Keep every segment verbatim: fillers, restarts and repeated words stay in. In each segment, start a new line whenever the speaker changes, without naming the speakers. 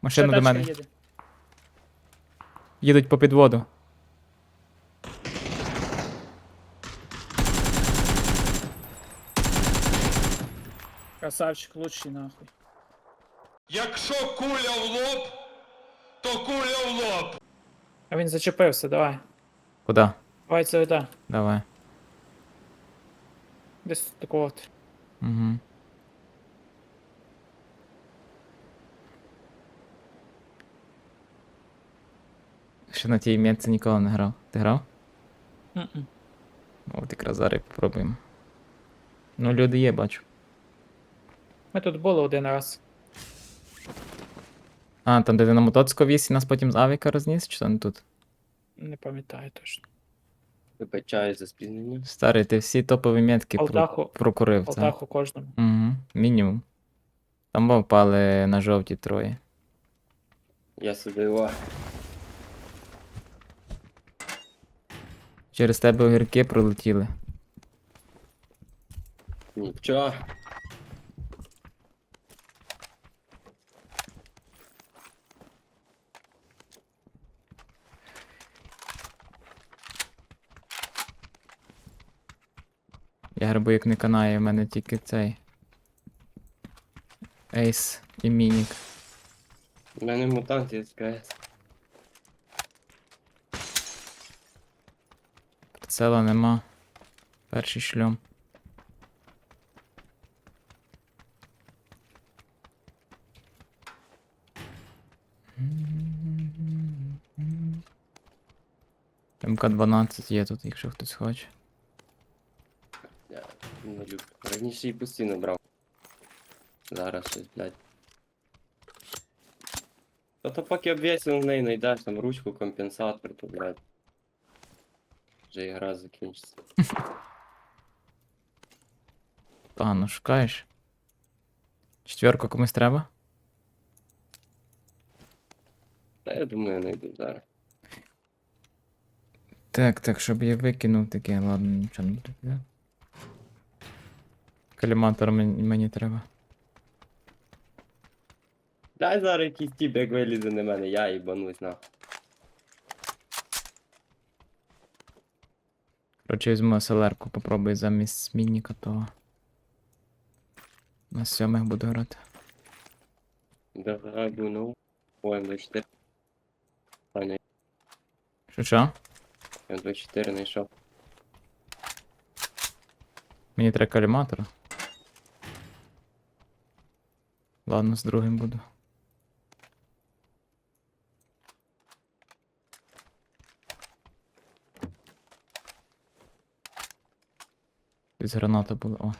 Машина
Ще
до
тачка
мене.
їде.
Їдуть по підводу.
Красавчик, лучший нахуй.
Якщо куля в лоб, то куля в лоб.
А він зачепився, давай.
Куди?
Давай це да.
Давай.
Десь такого от.
Угу. Ще на тій м'ятці ніколи не грав. Ти грав?
Мгм.
От якраз зараз попробуємо. Ну, люди є, бачу.
Ми тут були один раз.
А, там де ти на мотоцику віз і нас потім з авіка розніс, чи то не тут?
Не пам'ятаю точно.
Вибачаю за спізнення.
Старий, ти всі топові метки про...
Алтаху-
прокурив, це.
Алтаху кожному.
Угу, мінімум. Там бо впали на жовті троє.
Я собі о.
Через тебе огірки пролетіли.
Нічого.
Я грибу як не канає, в мене тільки цей. Ейс і мінік.
У мене мутант є СКС.
Прицела нема. Перший шльом. М К дванадцять є тут, якщо хтось хоче.
Я не люблю. Раніше її постійно брав. Зараз щось, блядь. Та то поки обвісив в неї знайдеш там ручку, компенсатор, то, блядь. Вже ігра закінчиться.
Погано шукаєш. Четверку комусь треба?
Та я думаю, знайду зараз.
Так, так, щоб я викинув таке, ладно, нічого не буде. Да? Каліматор мені, мені треба.
Дай зараз якийсь тіп, як вилізе на мене, я їбанусь нахуй.
Короче, візьму селерку, попробую замість мініка того. На сьомих буду грати.
Давай, ну. Ой, М двадцять чотири. Таня,
Що що?
М двадцять чотири знайшов.
Мені треба каліматора. Ладно, з другим буду. Десь граната була, о.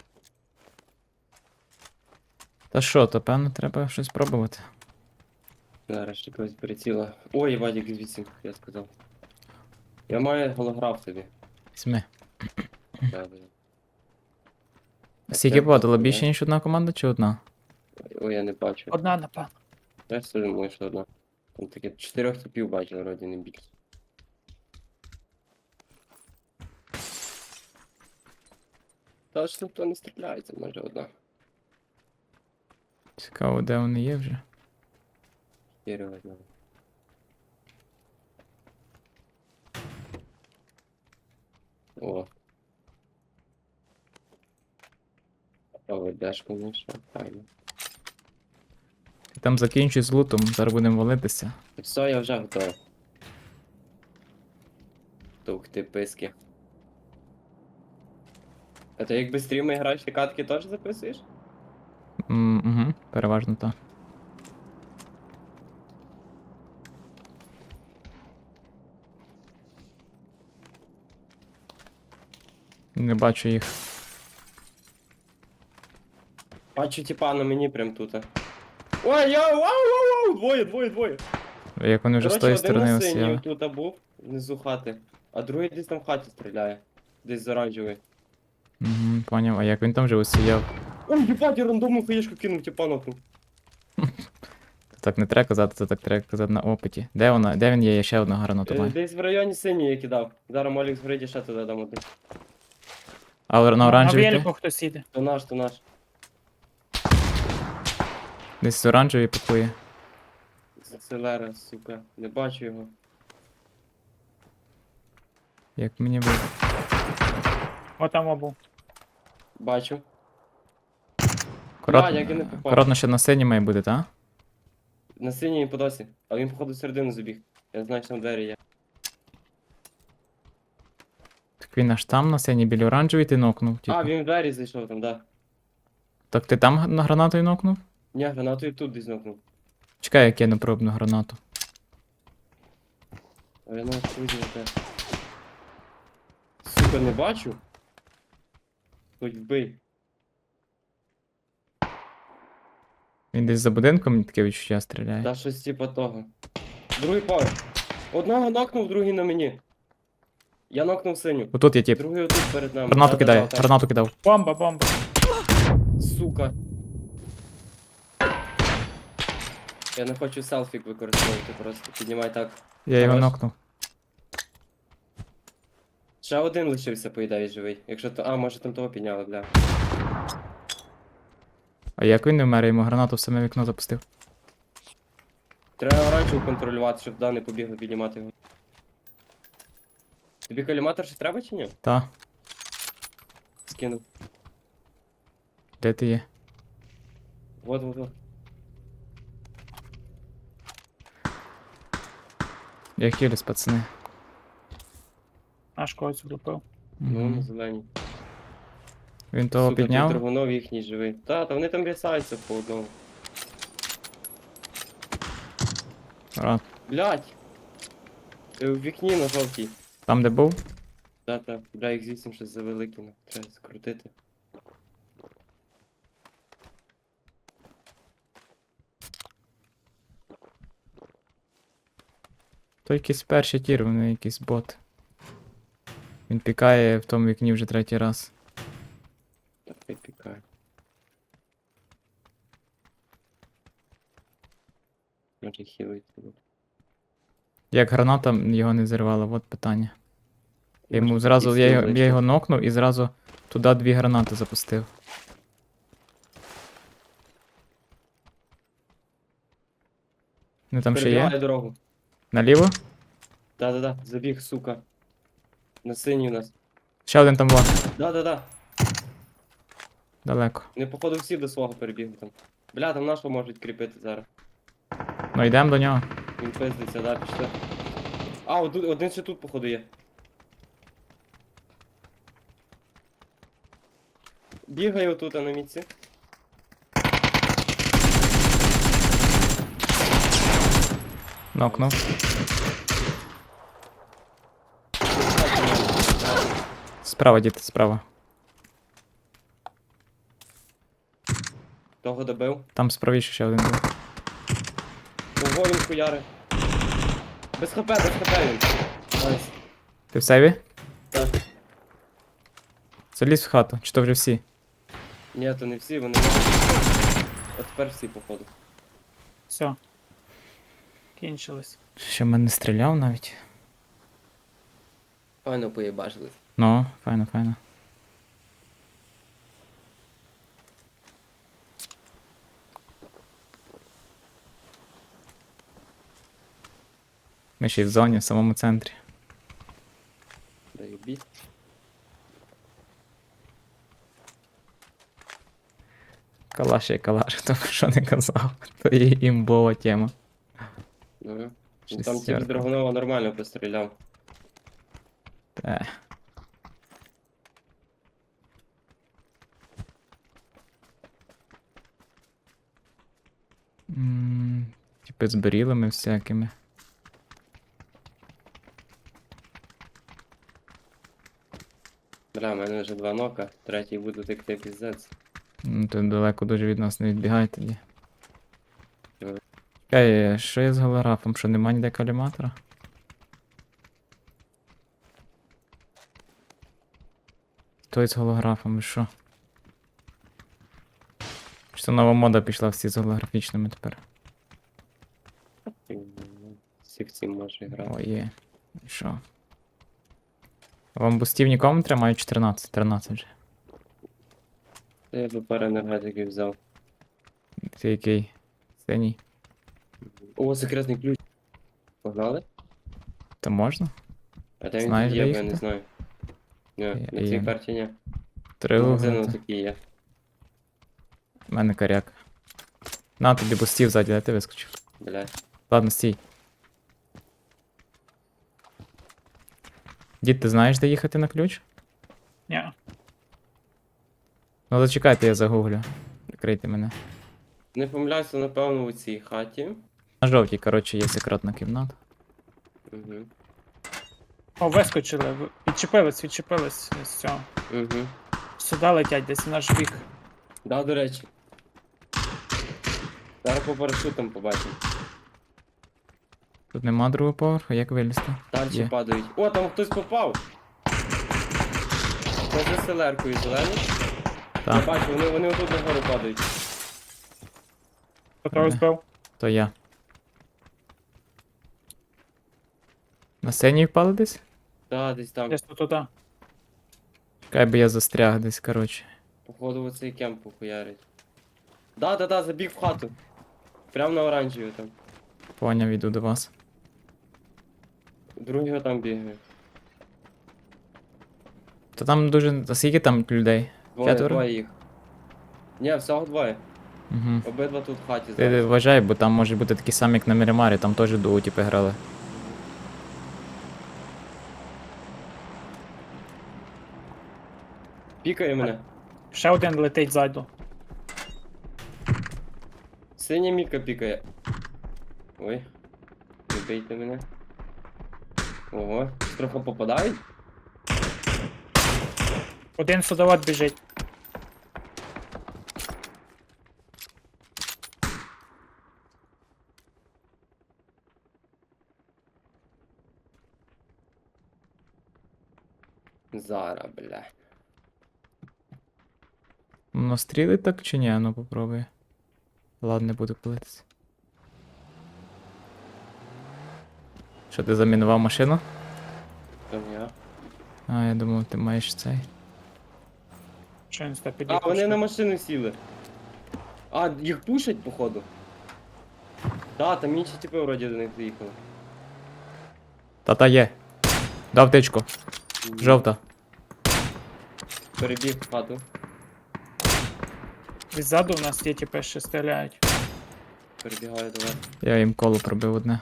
Та що, то певно треба щось пробувати.
Зараз ще когось приціла. Ой, Вадик звідси, я сказав. Я маю голограф тобі.
Візьми.
Да, блін.
Скільки подало? Більше ніж одна команда чи одна?
Ой, я не бачу.
Одна, напевно.
Я ж собі думаю, що одна. Там таке чотирьох типів бачив, вроді не більше. Та ж ніхто не стріляється, може одна.
Цікаво, де вони є вже.
Чотири одна. О. А ведеш, конечно, файно.
Ти там закінчуй з лутом, зараз будемо валитися.
Все, я вже готовий. Тух ти писки. А ти якби стріми граєш, ти катки теж записуєш?
Угу, переважно так. Не бачу їх.
Бачу типа на мені прям тут. Ой, я, вау, вау, вау, двоє, двоє, двоє.
Як вони вже з
Коротше,
тої
один
сторони
на
осіяли.
синій тут був, внизу хати, а другий десь там в хаті стріляє. Десь з оранжевий.
Угу, поняв. А як він там вже осіяв?
Ой, їбать, я рандомну хаєшку кинув, типа нахуй.
Так не треба казати, це так треба казати на опиті. Де вона? Де він є? Я ще одного гранату
Е,
маю.
Десь в районі синій я кидав. Зараз Молік згорить, ще туди дам один.
А на
На
оранжевій ти?
велику хтось їде.
То наш, то наш.
Десь з оранжевій пакує.
Селера, сука. Не бачу його.
Як мені ви.
О, там обув.
Бачу.
Корот...
Бля, як я не попав.
Коротно ще на синій має бути, так?
На синій по досі. А він, походу, всередину забіг. Я знаю, що там двері є.
Так він аж там на синій біля оранжевій ти нокнув. Типу.
А, він в двері зайшов там, да.
Так ти там на гранатою нокнув?
Ні, гранатою тут десь нокнув.
Чекай, я кину пробну гранату.
А я навіть не те. Сука, не бачу. Хоч вбий.
Він десь за будинком, мені таке відчуття стріляє.
Та щось типа того. Другий поверх. Одного нокнув, другий на мені. Я нокнув синю.
Отут є тип.
Другий отут перед нами.
Гранату
Да-да-да,
кидає,
так.
гранату кидав.
Бомба, бомба.
Сука. Я не хочу селфік використовувати, просто піднімай так.
Я його
Хорош.
нокнув.
Ще один лишився, по ідеї, живий. Якщо то. А, може там того підняли, бля.
А як він не вмер, я йому гранату в саме вікно запустив.
Треба оранжеву контролювати, щоб да не побігли піднімати його. Тобі коліматор ще треба чи ні?
Та,
Скинув.
де ти є?
Вот, вот, вот.
Я хілюсь, пацани.
Аж когось влупив.
Ну,
Мгм.
на зеленій.
Він того
Сука,
підняв.
тут Драгунов їхній живий. Та, та вони там рісаються по одному.
А,
Блять! Ти в вікні на жовтій.
там де був?
Та, та, бля, їх звідси щось завелике, ну, треба скрутити.
То якийсь перший тір, вони якийсь бот. Він пікає в тому вікні вже третій раз.
Так, хай пікає. Може хілити.
Як граната його не зірвала, от питання. Я йому
Може,
зразу,
якийсь
я,
хіл
його- я
вийшов.
його нокнув і зразу туди дві гранати запустив. Ну там ще
Перебігає
є?
дорогу.
Наліво?
Да-да-да, забіг, сука. На синій у нас.
Ще один там був.
Да-да-да.
Далеко.
Не походу всі до свого перебігли там. Бля, там нашого можуть кріпити зараз.
Ну йдемо до нього.
Він пиздиться, да, пішли. А, один, один ще тут, походу, є. Бігає отут, а на мітці.
Нокнув. Справа, діти, справа.
Того добив.
Там справіше ще один був.
Ого, він хуяри. Без хп, без хп він. Найс.
Ти в сейві?
Так.
Залізь в хату, чи то вже всі?
Ні, то не всі, вони. От тепер всі, походу.
Все. Кінчилось.
Ще в мене стріляв навіть.
Файно поїбажили.
Ну, файно, файно. Ми ще й в зоні, в самому центрі.
Даю бій.
Калаш є калаш, хто б що не казав. То є імбова тема.
Ну, ну,
Щось
там тільки
ярко.
Драгунова нормально постріляв.
Те. М, Типи з берілами всякими.
Бля, в мене вже два нока, третій буду текти піздець.
Ну, то далеко дуже від нас не відбігай тоді.
Добре.
Чекай, що є з голографом? Що нема ніде коліматора? Той з голографом, ви що? Чи то нова мода пішла всі з голографічними тепер?
Всіх цим може грати.
О, є. І що? Вам бустів нікому не треба? Маю чотирнадцять, тринадцять вже.
Я би пару енергетиків взяв.
Ти який? Синій?
Мгм. О, секретний ключ. Погнали?
То можна?
А де він
Знаєш,
тут є,
де
бо я не
їхати?
знаю. Ні,
Я-
на
я
цій
не-
карті ні.
Три
Магазини
угла.
такі є.
У мене коряк. На тобі бустів ззаді, де ти вискочив.
Блядь.
Ладно, стій. Дід, ти знаєш, де їхати на ключ?
Ні.
Ну зачекайте, я загуглю. Прикрийте мене.
Не помиляюся, напевно, у цій хаті.
На жовтій, коротше, є секретна кімната.
Угу.
О, вискочили. в- Відчепились, відчепились з цього.
Угу.
Сюди летять, десь в наш бік.
Да, до речі. Зараз по парашутам побачимо.
Тут нема другого поверху, як вилізти?
Далі
Є.
падають. О, там хтось попав! Це за селеркою зеленою. Я
Так,
бачу, вони, вони отут нагору падають.
Хто того
Ага.
збив?
то я. На сцені впали десь?
Да, десь там.
Десь тут туди.
Чекай, би я застряг десь, коротше.
Походу оцей кемп похуярить. Да, да, да, забіг в хату. Прям на оранжеві там.
Поняв, іду до вас.
Другого там бігає.
Та там дуже. А скільки там людей?
Двоє,
П'ятеро?
двоє їх. Ні, всього двоє.
Угу.
Обидва тут в хаті
Ти
зараз.
вважай, бо там може бути такі самі, як на Мірімарі, там теж дуо типи грали.
Пікає мене.
Ще один летить ззаду.
Синя мітка пікає. Ой. Не бийте мене. Ого, трохи попадають?
Один судовод біжить.
Зара, бля.
Ну стріли так чи ні? Ну попробуй. Ладно, не буду пилитися. Що ти замінував машину?
Там я.
А, я думав, ти маєш цей.
Що він сюди
А,
під'їхав?
вони на машину сіли. А, їх пушать, походу. Да, там інші типи вроді до них доїхали.
Та-та є. Дав тичку. Жовта.
Перебіг в хату.
Відзаду в нас є типи, що стріляють.
Перебігаю до вас.
Я їм коло пробив одне.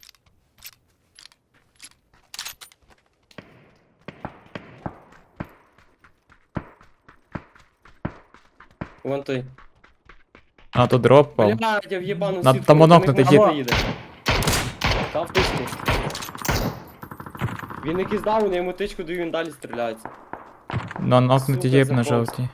Вон той.
А, то дроп пав.
Блядь, я в'єбану
На-
сітку.
там
до них
онокнутий
машина
дід.
їде. Дав тичку. Він якийсь дав, вони йому тичку даю, він далі стріляється.
Ну, нокнутий
Сука,
є б на
заповз.
жовтій.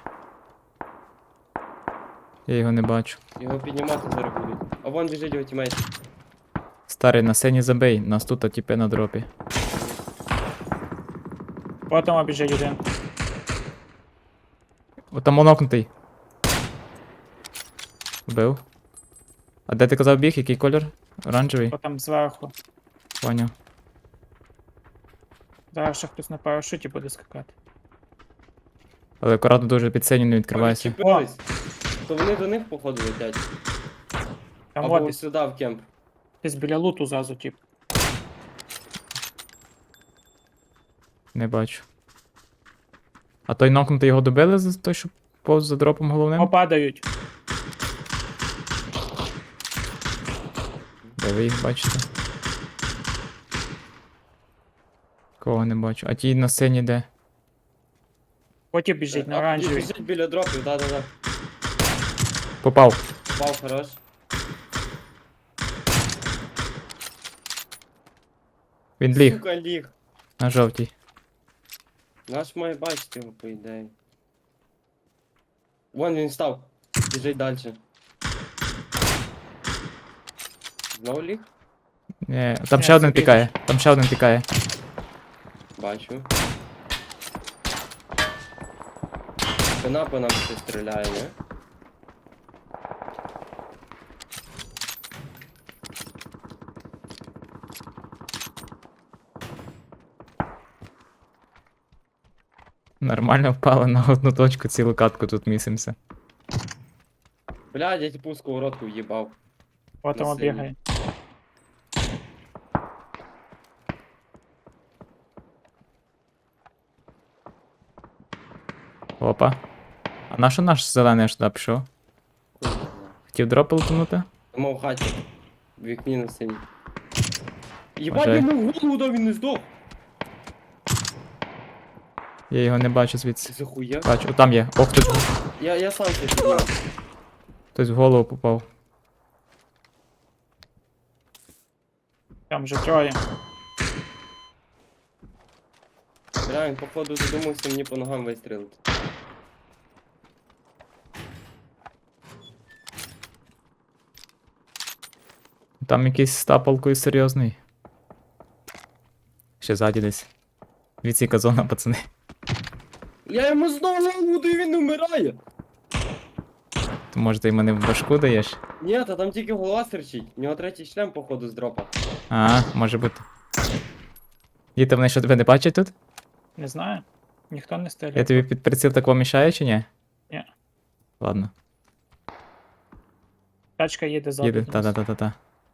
Я його не бачу.
Його піднімати зараз будуть. А вон біжить його тімейт.
Старий, на сцені забий, нас тут типи на дропі.
Потім біжить один.
О, там онокнутий. Вбив. А де ти казав біг? Який колір? Оранжевий?
Потім зверху.
Поняв.
Зараз ще хтось на парашуті буде скакати.
Але акуратно дуже під сцені не відкривайся.
Відчепились. То вони до них, походу, летять.
Там
Або
от
ось
десь,
сюди в кемп.
десь біля луту зразу, тип.
Не бачу. А той нокнутий його добили за той, що повз за дропом головним?
О, падають.
Де ви їх бачите? Кого не бачу. А ті на сцені де?
Потім біжить на
А,
оранжевій.
Біжить біля дропів, да-да-да.
Попав.
Пав, хорош.
Він ліг
Сука, ліг.
на жовтій.
Наш має бачити його, по ідеї. Вон він став. Біжить далі. Знову ліг?
Ні, там
Ні,
ще один
це
пікає. Там ще один пікає.
Бачу. Спина по нам ще стріляє, не?
Нормально впали на одну точку, цілу катку тут місимося.
Блядь, я типу сковородку в'їбав.
Потім
на синій.
бігає.
Опа. А на що наш зелений аж туди пішов? Хотів дропи лутанути?
Тому в хаті. В вікні на синій. Єбать,
Може.
йому в голову дав, він не здох.
Я його не бачу звідси.
Ти захуя?
Бачу, о, там є. Ох, хтось, в-
Я, я сам це підняв.
хтось в голову попав.
Там вже троє.
Бля, він походу задумався мені по ногам вистрілити.
Там якийсь з тапалкою серйозний. Ще ззаді десь. Відсіка зона, пацани.
Я йому знову голову даю, він не вмирає.
То може ти мене в башку даєш?
Ні, та там тільки голова стерчить. У нього третій шлем, походу, з дропа.
А, може бути. Діти, вони що тебе не бачать тут?
Не знаю. Ніхто не
Я
стріляє.
тобі під приціл такого мішаю чи ні?
Ні.
Ладно,
Тачка їде ззаду.
їде.
до нас.
Та-та-та-та-та.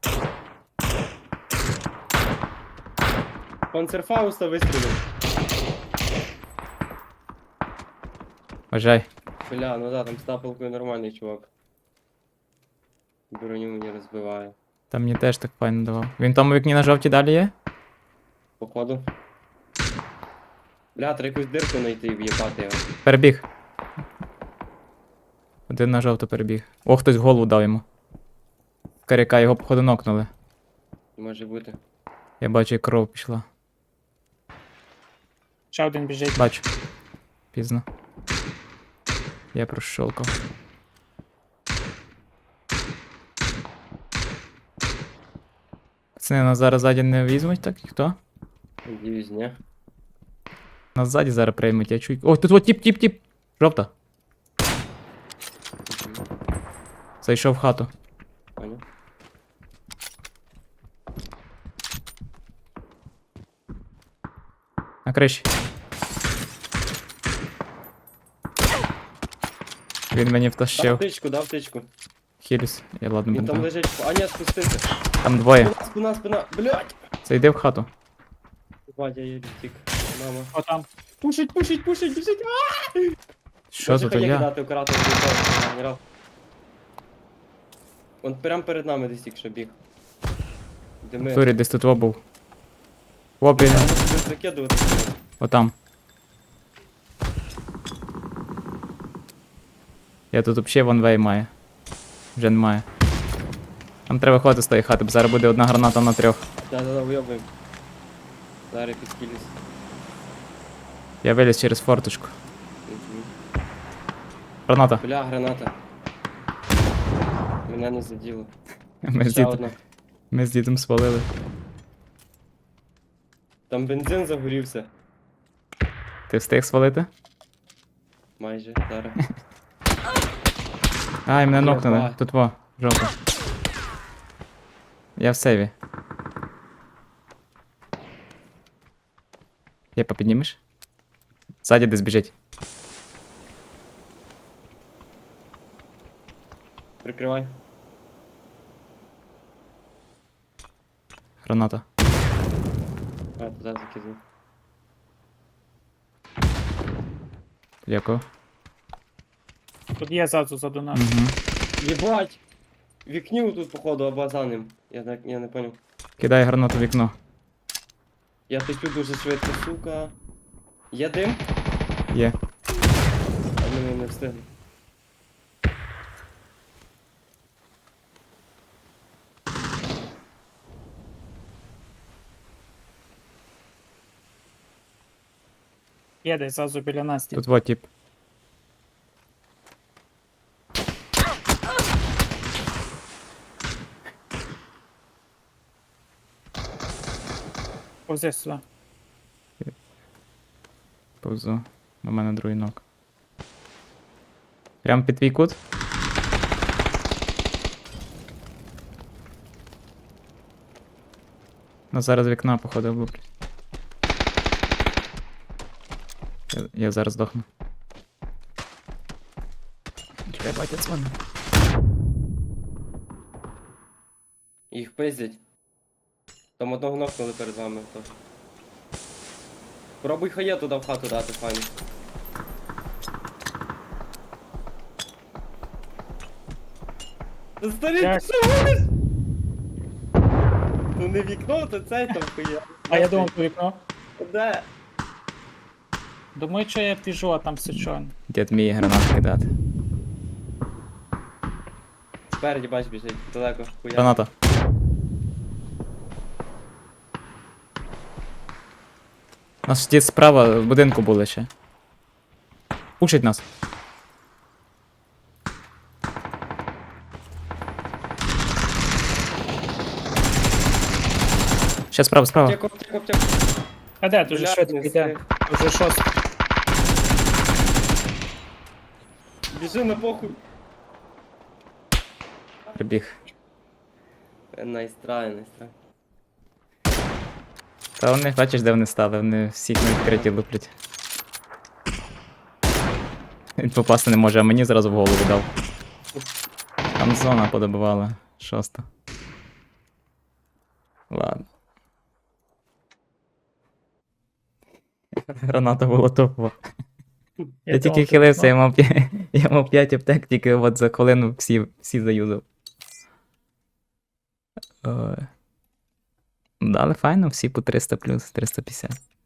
Панцерфауста вистрілив.
Вважай.
Бля, ну да, там з тапалкою нормальний чувак. Броню мені розбиває.
Там мені теж так файно давав. Він в тому вікні на жовті далі є?
Походу. Бля, треба якусь дирку знайти і в'єбати його.
Перебіг. Один на жовто перебіг. О, хтось в голову дав йому. Каряка його походу нокнули.
Може бути.
Я бачу, як кров пішла.
Ще один біжить.
Бачу. Пізно. Я прощолкав. Пацани, нас зараз ззаді не візьмуть, так? І хто?
Надіюсь, ні.
Нас ззаді зараз приймуть, я чую. О, тут от тіп, тіп, тіп! Жовта. Зайшов в хату.
Понял.
На криші. Він мені
Дав
втащив.
птичку, дав птичку.
Хіліс. Я ладно
Він там
бинтав.
лежить. А ні, спустився.
Там двоє.
Спина, спина, спина. Блядь!
Зайди в хату.
Батя, я втік. Мама.
О, там.
Пушить, пушить, пушить, біжить.
Що за то я?
кидати оператор генерал. Он прям перед нами десь тільки що біг. Дими.
Турі десь тут во був. О, блін.
Треба щось закидувати.
Отам. Я тут взагалі ванвей маю. Вже немає. Нам треба виходити з тої хати, бо зараз буде одна граната на трьох.
Да-да-да, вийобуємо. Зараз підскілюсь.
Я виліз через форточку.
Мгм.
Граната.
Бля, граната. Мене не заділо.
Ми з,
Ще
дідом,
одна.
ми з дідом спалили.
Там бензин загорівся.
Ти встиг свалити?
Майже, зараз.
Ай, мене нокнули.
Єба.
Тут во, жовто. Я в сейві. Єпа, піднімеш? Ззаді десь біжить.
Прикривай.
Граната.
А, туди закидав.
Дякую.
Тут є ззаду заду нас.
Угу.
Єбать! Вікнів тут, походу, обазаним. Я так, я не понял.
Кидай гранату в вікно.
Я течу дуже швидко, сука. Є дим?
Є.
А мене не встигли.
Є десь ззаду біля нас.
Тут во тип.
Повзи сюди.
Повзу. У мене другий ног. Прям під твій кут? Ну зараз вікна, походу, влуплять. Я, я зараз здохну. Чекай, батя дзвони.
Їх пиздять. Там одного нокнули перед вами. То. Пробуй хає туди в хату дати, файно. Старий,
Як?
ти що гониш? Ну не вікно, то цей там хуя.
А я думав, то вікно.
Де?
Думаю, що я біжу, а там сичон.
Дід мій гранат кидати.
Спереді, бач, біжить, далеко хуя.
Граната. У нас дід справа в будинку були ще. Пушить нас. Ще справа, справа.
Аптеку, аптеку, аптеку.
А де, дуже
Блядь,
швидко
не
йде.
встиг.
Уже шостий.
Біжи на похуй.
Прибіг.
Найстрай, найстрай.
Та вони, бачиш, де вони стали, вони всіх на відкриті луплять. Він попасти не може, а мені зразу в голову дав. Там зона подобивала. Шоста. Ладно. Граната була топова. Я, тільки
думав,
хилився,
то
я мав, п'ять- я мав п'ять аптек, тільки от за хвилину всі, всі заюзав. Ой. Да, але файно, всі по триста плюс, триста п'ятдесят.